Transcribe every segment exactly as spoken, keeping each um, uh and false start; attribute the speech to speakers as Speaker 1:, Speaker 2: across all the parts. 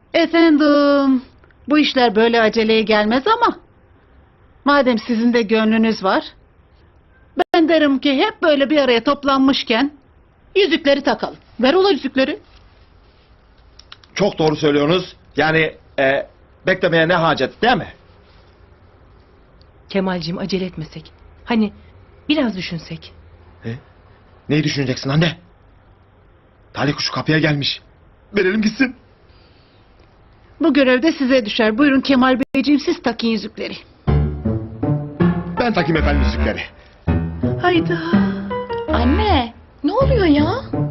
Speaker 1: Efendim, bu işler böyle aceleye gelmez ama madem sizin de gönlünüz var, ben derim ki hep böyle bir araya toplanmışken yüzükleri takalım. Ver ola yüzükleri.
Speaker 2: Çok doğru söylüyorsunuz. Yani e, beklemeye ne hacet değil mi?
Speaker 3: Kemalciğim acele etmesek. Hani biraz düşünsek.
Speaker 2: E, neyi düşüneceksin anne? Talih kuşu kapıya gelmiş. Verelim gitsin.
Speaker 1: Bu görevde size düşer. Buyurun Kemal Beyciğim, siz takın yüzükleri.
Speaker 2: Ben takayım efendim yüzükleri.
Speaker 1: Hayda.
Speaker 4: Anne, ne oluyor ya?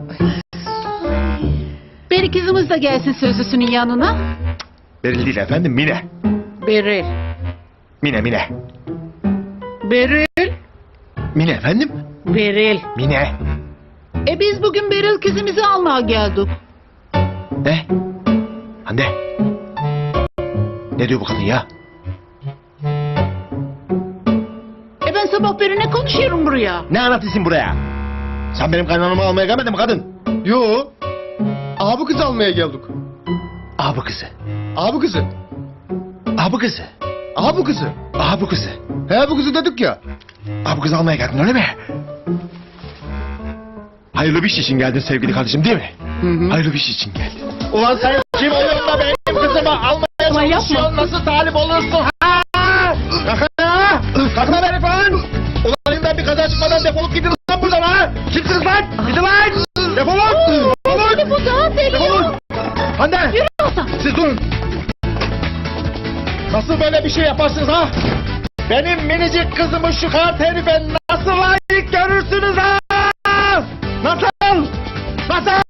Speaker 1: Beri kızımız da gelsin sözlüsünün yanına.
Speaker 2: Beril değil efendim, Mine.
Speaker 1: Beril.
Speaker 2: Mine, Mine.
Speaker 1: Beril.
Speaker 2: Mine efendim?
Speaker 1: Beril.
Speaker 2: Mine.
Speaker 1: E biz bugün Beril kızımızı almaya geldik.
Speaker 2: Ne? Anne. Ne diyor bu kadın ya?
Speaker 1: E ben sabah beri ne konuşuyorum buraya?
Speaker 2: Ne anlatıyorsun buraya? Sen benim kaynanamı almaya gelmedin mi kadın?
Speaker 5: Yo. Abi kız almaya geldik.
Speaker 2: Abi kızı.
Speaker 5: Abi kızı.
Speaker 2: Abi kızı.
Speaker 5: Abi kızı.
Speaker 2: Abi kızı.
Speaker 5: He bu kızı dedik ya.
Speaker 2: Abi kızı almaya geldin öyle mi? Hayırlı bir iş için geldin sevgili kardeşim değil mi?
Speaker 5: Hı hı.
Speaker 2: Hayırlı bir iş için geldin. Ulan sen kim oluyorsun da benim kızımı almaya çalışıyorsun? Nasıl talip olursun? Ha? Kalkın ha! Kalkın herif lan! Ulan elimden bir kaza çıkmadan defolup gidin lan buradan ha! Kimsiniz lan? Gidin lan! Defolun! Defolun!
Speaker 1: Bu daha deli.
Speaker 2: Defolun! Hande! Siz durun! Nasıl böyle bir şey yaparsınız ha? Benim minicik kızımı şu kart herife nasıl layık görürsünüz ha? Nasıl? Nasıl?